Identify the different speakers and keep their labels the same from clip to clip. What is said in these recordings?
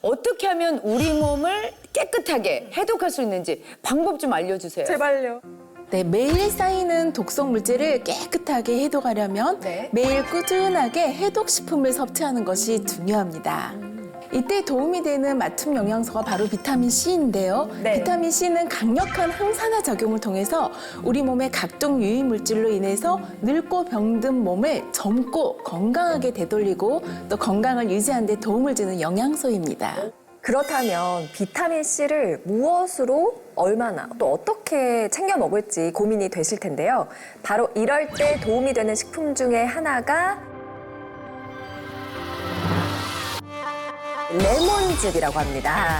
Speaker 1: 어떻게 하면 우리 몸을 깨끗하게 해독할 수 있는지 방법 좀 알려주세요.
Speaker 2: 제발요.
Speaker 3: 네, 매일 쌓이는 독성 물질을 깨끗하게 해독하려면
Speaker 1: 네.
Speaker 3: 매일 꾸준하게 해독식품을 섭취하는 것이 중요합니다. 이때 도움이 되는 맞춤 영양소가 바로 비타민 C인데요.
Speaker 2: 네.
Speaker 3: 비타민 C는 강력한 항산화 작용을 통해서 우리 몸의 각종 유해 물질로 인해서 늙고 병든 몸을 젊고 건강하게 되돌리고 또 건강을 유지하는 데 도움을 주는 영양소입니다.
Speaker 2: 그렇다면 비타민 C를 무엇으로 얼마나 또 어떻게 챙겨 먹을지 고민이 되실 텐데요. 바로 이럴 때 도움이 되는 식품 중에 하나가 레몬즙이라고 합니다.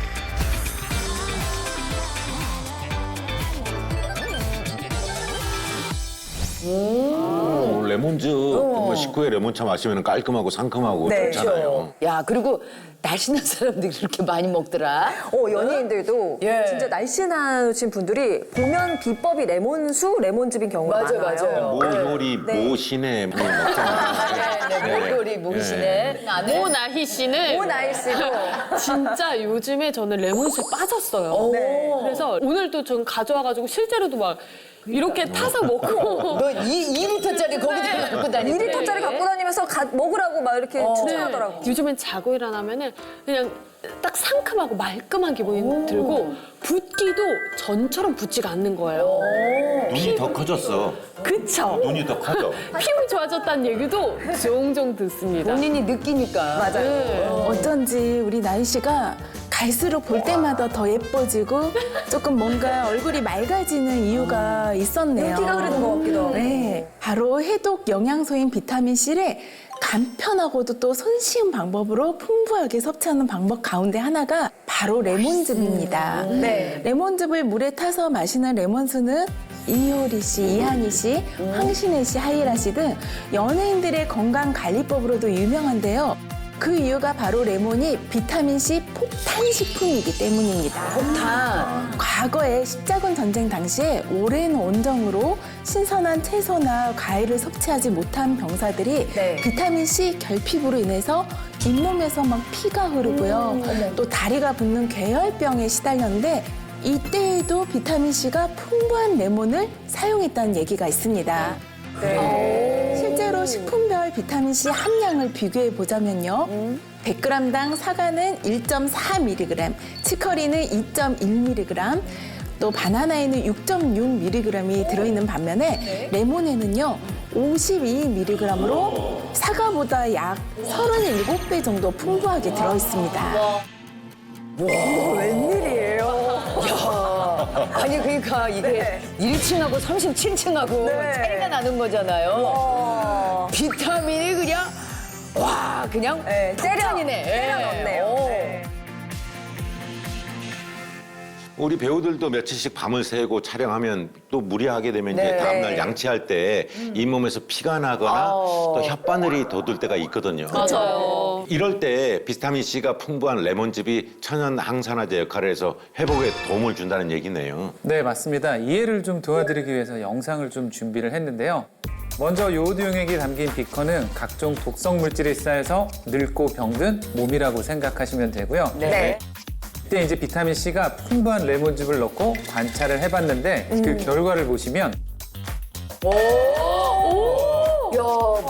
Speaker 4: 레몬즙 정말 식후에 레몬차 마시면 깔끔하고 상큼하고
Speaker 2: 네.
Speaker 4: 좋잖아요.
Speaker 1: 야, 그리고 날씬한 사람들이 그렇게 많이 먹더라.
Speaker 2: 연예인들도
Speaker 1: 예.
Speaker 2: 진짜 날씬하신 분들이 보면 비법이 레몬수, 레몬즙인 경우가
Speaker 1: 맞아요,
Speaker 2: 많아요.
Speaker 1: 맞아요.
Speaker 4: 몰골이
Speaker 2: 네.
Speaker 4: 모신에 뭐 먹잖아요.
Speaker 1: 네, 몰골이 모시네.
Speaker 5: 오나희 씨는
Speaker 2: 오나희 씨도
Speaker 5: 진짜 요즘에 저는 레몬수에 빠졌어요.
Speaker 2: 네.
Speaker 5: 그래서 오늘도 전 가져와가지고 실제로도 막 이렇게 타서 먹고
Speaker 1: 너 2리터짜리 거기다 갖고 다니고.
Speaker 2: 2리터짜리 갖고 다니면서 먹으라고 막 이렇게 추천하더라고요.
Speaker 5: 요즘엔 자고 일어나면은 그냥 딱 상큼하고 말끔한 기분이 들고 붓기도 전처럼 붓지가 않는 거예요.
Speaker 4: 눈이 더 커졌어.
Speaker 5: 그쵸?
Speaker 4: 눈이 더 커져.
Speaker 5: 피부 좋아졌다는 얘기도 종종 듣습니다.
Speaker 1: 본인이 느끼니까.
Speaker 2: 맞아요.
Speaker 5: 네.
Speaker 3: 어쩐지 우리 나희 씨가 갈수록 볼 때마다 더 예뻐지고 조금 뭔가 얼굴이 맑아지는 이유가 있었네요.
Speaker 2: 윤기가 흐르는 것 같기도 하고.
Speaker 3: 네, 바로 해독 영양소인 비타민 C를 간편하고도 또 손쉬운 방법으로 풍부하게 섭취하는 방법 가운데 하나가 바로 레몬즙입니다.
Speaker 2: 네.
Speaker 3: 레몬즙을 물에 타서 마시는 레몬수는 이효리 씨, 이한희 씨, 황신혜 씨, 하이라 씨 등 연예인들의 건강관리법으로도 유명한데요. 그 이유가 바로 레몬이 비타민 C 폭탄 식품이기 때문입니다.
Speaker 1: 폭탄.
Speaker 3: 과거에 십자군 전쟁 당시에 오랜 원정으로 신선한 채소나 과일을 섭취하지 못한 병사들이
Speaker 2: 네.
Speaker 3: 비타민 C 결핍으로 인해서 잇몸에서 막 피가 흐르고요. 또 다리가 붓는 괴혈병에 시달렸는데 이때에도 비타민 C가 풍부한 레몬을 사용했다는 얘기가 있습니다. 실제로 식품별 비타민 C 함량을 비교해 보자면요. 100g당 사과는 1.4mg, 치커리는 2.1mg, 또 바나나에는 6.6mg이 들어있는 반면에 레몬에는요 52mg으로 사과보다 약 37배 정도 풍부하게 들어있습니다.
Speaker 2: 웬일이에요?
Speaker 1: 아니, 그러니까 이게 1층하고 37층하고
Speaker 2: 네.
Speaker 1: 차이가 나는 거잖아요. 비타민이 그냥, 와, 그냥
Speaker 2: 네,
Speaker 1: 폭탄이네.
Speaker 2: 때려 넣네요.
Speaker 1: 오.
Speaker 2: 네.
Speaker 4: 우리 배우들도 며칠씩 밤을 새고 촬영하면 또 무리하게 되면 이제
Speaker 1: 네.
Speaker 4: 다음날 양치할 때 잇몸에서 피가 나거나 또 혓바늘이 돋을 때가 있거든요.
Speaker 5: 맞아요.
Speaker 4: 이럴 때 비타민 C가 풍부한 레몬즙이 천연 항산화제 역할을 해서 회복에 도움을 준다는 얘기네요.
Speaker 6: 네, 맞습니다. 이해를 좀 도와드리기 위해서 영상을 좀 준비를 했는데요. 먼저 요오드용액이 담긴 비커는 각종 독성 물질이 쌓여서 늙고 병든 몸이라고 생각하시면 되고요.
Speaker 2: 네.
Speaker 6: 이때 이제 비타민 C가 풍부한 레몬즙을 넣고 관찰을 해봤는데 그 결과를 보시면
Speaker 1: 야,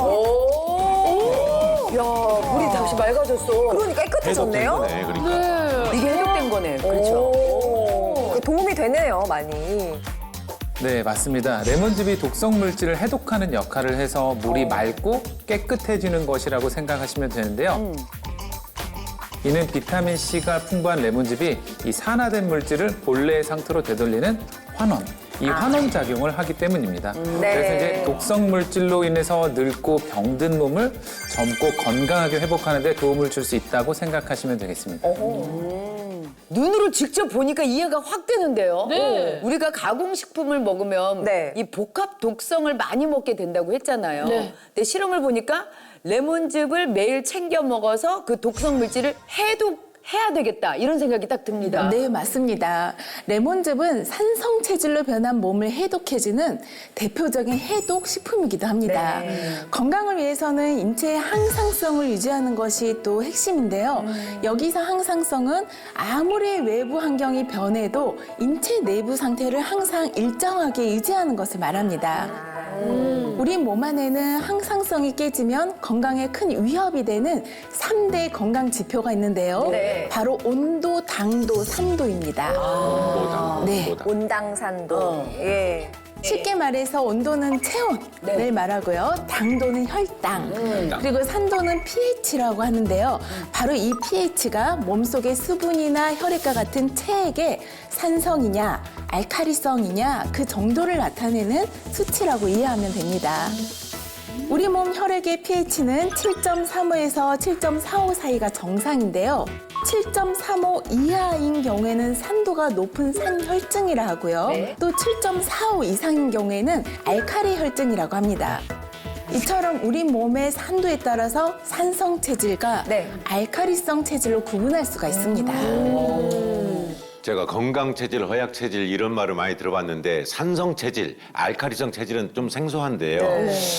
Speaker 1: 야, 물이 다시 맑아졌어.
Speaker 2: 그러니까 깨끗해졌네요.
Speaker 4: 해독된 거네, 그러니까.
Speaker 1: 이게 해독된 거네. 그렇죠.
Speaker 2: 오, 도움이 되네요, 많이.
Speaker 6: 네, 맞습니다. 레몬즙이 독성 물질을 해독하는 역할을 해서 물이 맑고 깨끗해지는 것이라고 생각하시면 되는데요. 이는 비타민 C가 풍부한 레몬즙이 이 산화된 물질을 본래의 상태로 되돌리는 환원, 이 환원 작용을 하기 때문입니다.
Speaker 2: 네.
Speaker 6: 그래서 이제 독성 물질로 인해서 늙고 병든 몸을 젊고 건강하게 회복하는 데 도움을 줄 수 있다고 생각하시면 되겠습니다.
Speaker 1: 눈으로 직접 보니까 이해가 확 되는데요.
Speaker 5: 네.
Speaker 1: 우리가 가공식품을 먹으면
Speaker 2: 네.
Speaker 1: 이 복합 독성을 많이 먹게 된다고 했잖아요.
Speaker 5: 네.
Speaker 1: 근데 실험을 보니까 레몬즙을 매일 챙겨 먹어서 그 독성 물질을 해야 되겠다 이런 생각이 딱 듭니다.
Speaker 3: 네, 맞습니다. 레몬즙은 산성 체질로 변한 몸을 해독해주는 대표적인 해독 식품이기도 합니다. 건강을 위해서는 인체의 항상성을 유지하는 것이 또 핵심인데요. 여기서 항상성은 아무리 외부 환경이 변해도 인체 내부 상태를 항상 일정하게 유지하는 것을 말합니다. 우리 몸 안에는 항상성이 깨지면 건강에 큰 위협이 되는 3대 건강 지표가 있는데요.
Speaker 1: 네.
Speaker 3: 바로 온도, 당도, 산도입니다.
Speaker 4: 온보다,
Speaker 3: 네.
Speaker 4: 온보다.
Speaker 2: 온당산도. 예.
Speaker 3: 쉽게 말해서 온도는 체온을 말하고요. 당도는 혈당, 그리고 산도는 pH라고 하는데요. 바로 이 pH가 몸속의 수분이나 혈액과 같은 체액의 산성이냐, 알카리성이냐 그 정도를 나타내는 수치라고 이해하면 됩니다. 우리 몸 혈액의 pH는 7.35에서 7.45 사이가 정상인데요. 7.35 이하인 경우에는 산도가 높은 산혈증이라 하고요. 또 7.45 이상인 경우에는 알카리 혈증이라고 합니다. 이처럼 우리 몸의 산도에 따라서 산성 체질과 알카리성 체질로 구분할 수가 있습니다.
Speaker 4: 제가 건강 체질, 허약 체질 이런 말을 많이 들어봤는데 산성 체질, 알카리성 체질은 좀 생소한데요.